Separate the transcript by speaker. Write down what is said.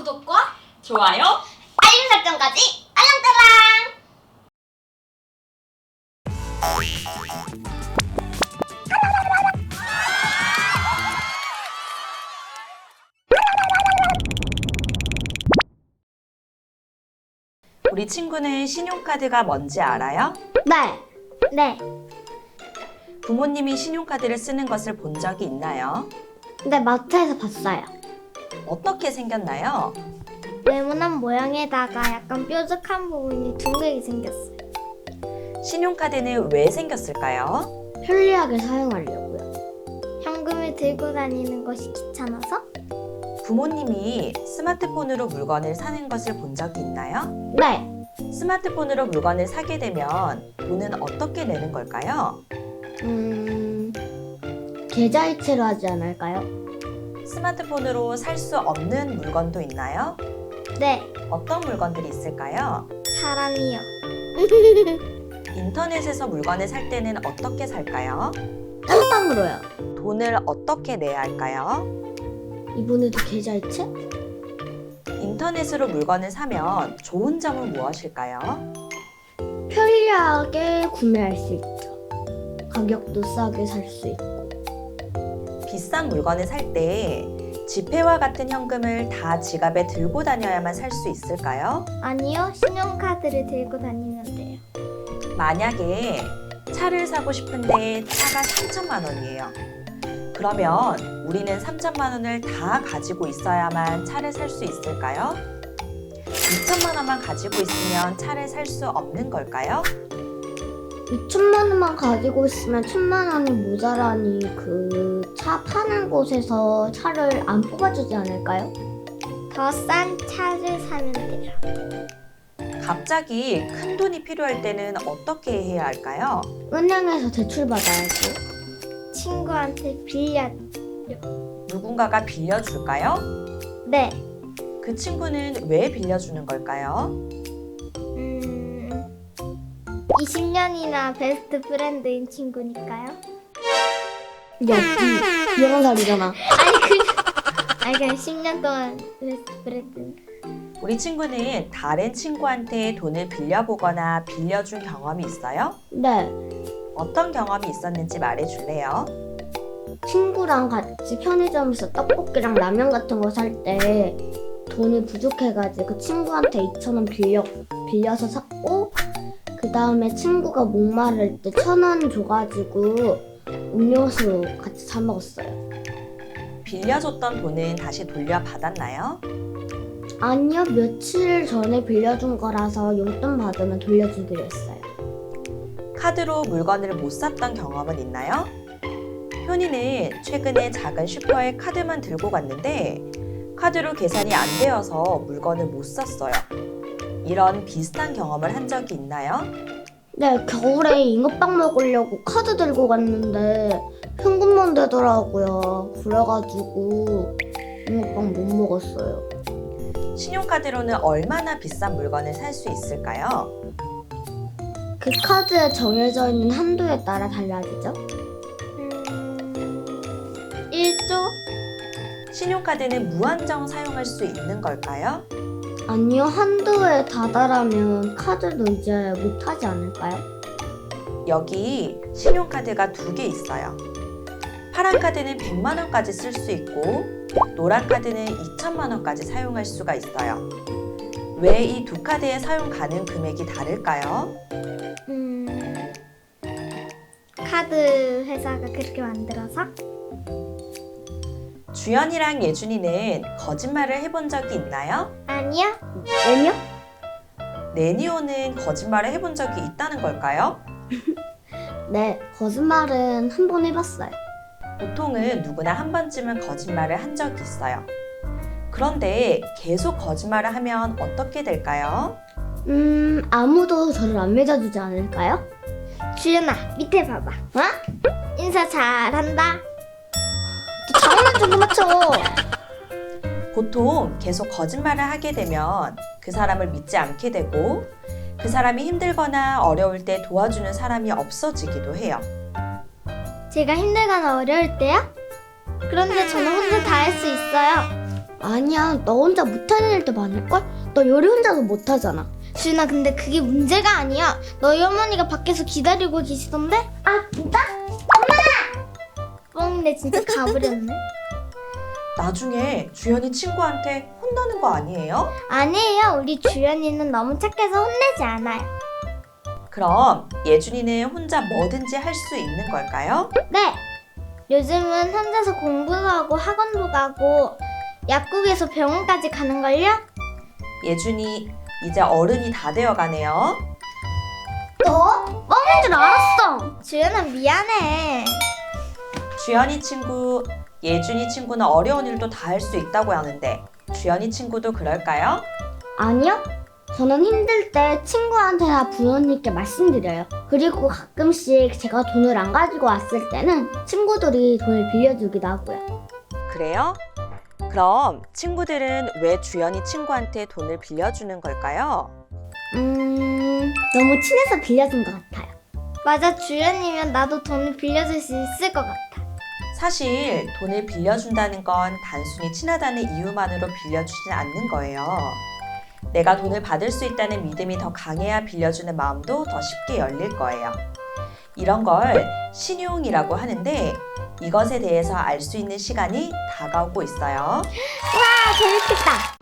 Speaker 1: 구독과
Speaker 2: 좋아요.
Speaker 1: 알림 설정까지 알랑따랑!
Speaker 2: 우리 친구는 신용카드가 뭔지 알아요?
Speaker 3: 네.
Speaker 2: 부모님이 신용카드를 쓰는 것을 본 적이 있나요?
Speaker 3: 네, 마트에서 봤어요.
Speaker 2: 어떻게 생겼나요?
Speaker 3: 네모난 모양에다가 약간 뾰족한 부분이 둥글게 생겼어요.
Speaker 2: 신용카드는 왜 생겼을까요?
Speaker 3: 편리하게 사용하려고요. 현금을 들고 다니는 것이 귀찮아서?
Speaker 2: 부모님이 스마트폰으로 물건을 사는 것을 본 적이 있나요?
Speaker 3: 네.
Speaker 2: 스마트폰으로 물건을 사게 되면 돈은 어떻게 내는 걸까요?
Speaker 3: 계좌이체로 하지 않을까요?
Speaker 2: 스마트폰으로 살 수 없는 물건도 있나요?
Speaker 3: 네.
Speaker 2: 어떤 물건들이 있을까요?
Speaker 3: 사람이요.
Speaker 2: 인터넷에서 물건을 살 때는 어떻게 살까요?
Speaker 3: 깜빵으로요.
Speaker 2: 돈을 어떻게 내야 할까요?
Speaker 3: 이번에도 계좌이체?
Speaker 2: 인터넷으로 물건을 사면 좋은 점은 무엇일까요?
Speaker 3: 편리하게 구매할 수 있죠. 가격도 싸게 살 수 있고.
Speaker 2: 비싼 물건을 살 때 지폐와 같은 현금을 다 지갑에 들고 다녀야만 살 수 있을까요?
Speaker 3: 아니요, 신용카드를 들고 다니면 돼요.
Speaker 2: 만약에 차를 사고 싶은데 차가 3천만 원이에요. 그러면 우리는 3천만 원을 다 가지고 있어야만 차를 살 수 있을까요? 2천만 원만 가지고 있으면 차를 살 수 없는 걸까요?
Speaker 3: 2천만 원만 가지고 있으면 1,000만 원이 모자라니 그 차 파는 곳에서 차를 안 뽑아주지 않을까요? 더 싼 차를 사면 돼요.
Speaker 2: 갑자기 큰 돈이 필요할 때는 어떻게 해야 할까요?
Speaker 3: 은행에서 대출 받아야지. 친구한테 빌려.
Speaker 2: 누군가가 빌려줄까요?
Speaker 3: 네.
Speaker 2: 그 친구는 왜 빌려주는 걸까요?
Speaker 3: 20년이나 베스트 프렌드인 친구니까요. 야, 이런 살이잖아. 아니 그냥 10년 동안 베스트 프렌드.
Speaker 2: 우리 친구는 다른 친구한테 돈을 빌려보거나 빌려준 경험이 있어요?
Speaker 3: 네.
Speaker 2: 어떤 경험이 있었는지 말해줄래요?
Speaker 3: 친구랑 같이 편의점에서 떡볶이랑 라면 같은 거 살 때 돈이 부족해가지고 친구한테 2,000원 빌려서 샀고, 그 다음에 친구가 목마를 때 1,000원 줘가지고 음료수 같이 사 먹었어요.
Speaker 2: 빌려줬던 돈은 다시 돌려받았나요?
Speaker 3: 아니요, 며칠 전에 빌려준 거라서 용돈 받으면 돌려주기로 했어요.
Speaker 2: 카드로 물건을 못 샀던 경험은 있나요? 현이는 최근에 작은 슈퍼에 카드만 들고 갔는데 카드로 계산이 안 되어서 물건을 못 샀어요. 이런 비슷한 경험을 한 적이 있나요?
Speaker 3: 네, 겨울에 잉어빵 먹으려고 카드 들고 갔는데 현금만 되더라고요. 그래가지고 잉어빵 못 먹었어요.
Speaker 2: 신용카드로는 얼마나 비싼 물건을 살 수 있을까요?
Speaker 3: 그 카드에 정해져 있는 한도에 따라 달라지죠? 1조?
Speaker 2: 신용카드는 무한정 사용할 수 있는 걸까요?
Speaker 3: 아니요, 한도에 다다라면 카드도 이제 못하지 않을까요?
Speaker 2: 여기 신용카드가 2개 있어요. 파란 카드는 100만 원까지 쓸 수 있고 노란 카드는 2천만 원까지 사용할 수가 있어요. 왜 이 두 카드의 사용 가능 금액이 다를까요?
Speaker 3: 카드 회사가 그렇게 만들어서?
Speaker 2: 주연이랑 예준이는 거짓말을 해본 적이 있나요?
Speaker 3: 아니요. 왜요?
Speaker 2: 네니오는 거짓말을 해본 적이 있다는 걸까요?
Speaker 3: 네, 거짓말은 한 번 해봤어요.
Speaker 2: 보통은 누구나 한 번쯤은 거짓말을 한 적이 있어요. 그런데 계속 거짓말을 하면 어떻게 될까요?
Speaker 3: 아무도 저를 안 믿어주지 않을까요? 주연아, 밑에 봐봐. 어? 인사 잘한다. 장난 좀 맞춰.
Speaker 2: 보통 계속 거짓말을 하게 되면 그 사람을 믿지 않게 되고 그 사람이 힘들거나 어려울 때 도와주는 사람이 없어지기도 해요.
Speaker 3: 제가 힘들거나 어려울 때요? 그런데 저는 혼자 다 할 수 있어요. 아니야, 너 혼자 못하는 일도 많을걸? 너 요리 혼자도 못하잖아.
Speaker 4: 주연아, 근데 그게 문제가 아니야. 너희 어머니가 밖에서 기다리고 계시던데?
Speaker 3: 아, 진짜?
Speaker 4: 뻥이네, 진짜 가버렸네.
Speaker 2: 나중에 주연이 친구한테 혼나는 거 아니에요?
Speaker 4: 아니에요. 우리 주연이는 너무 착해서 혼내지 않아요.
Speaker 2: 그럼 예준이는 혼자 뭐든지 할 수 있는 걸까요?
Speaker 4: 네. 요즘은 혼자서 공부도 하고 학원도 가고 약국에서 병원까지 가는걸요?
Speaker 2: 예준이 이제 어른이 다 되어가네요.
Speaker 4: 너? 뻥인 줄 알았어. 주연아, 미안해.
Speaker 2: 주연이 친구, 예준이 친구는 어려운 일도 다 할 수 있다고 하는데 주연이 친구도 그럴까요?
Speaker 3: 아니요. 저는 힘들 때 친구한테나 부모님께 말씀드려요. 그리고 가끔씩 제가 돈을 안 가지고 왔을 때는 친구들이 돈을 빌려주기도 하고요.
Speaker 2: 그래요? 그럼 친구들은 왜 주연이 친구한테 돈을 빌려주는 걸까요?
Speaker 3: 너무 친해서 빌려준 것 같아요.
Speaker 4: 맞아, 주연이면 나도 돈을 빌려줄 수 있을 것 같아.
Speaker 2: 사실 돈을 빌려준다는 건 단순히 친하다는 이유만으로 빌려주진 않는 거예요. 내가 돈을 받을 수 있다는 믿음이 더 강해야 빌려주는 마음도 더 쉽게 열릴 거예요. 이런 걸 신용이라고 하는데 이것에 대해서 알 수 있는 시간이 다가오고 있어요.
Speaker 3: 아, 재밌겠다.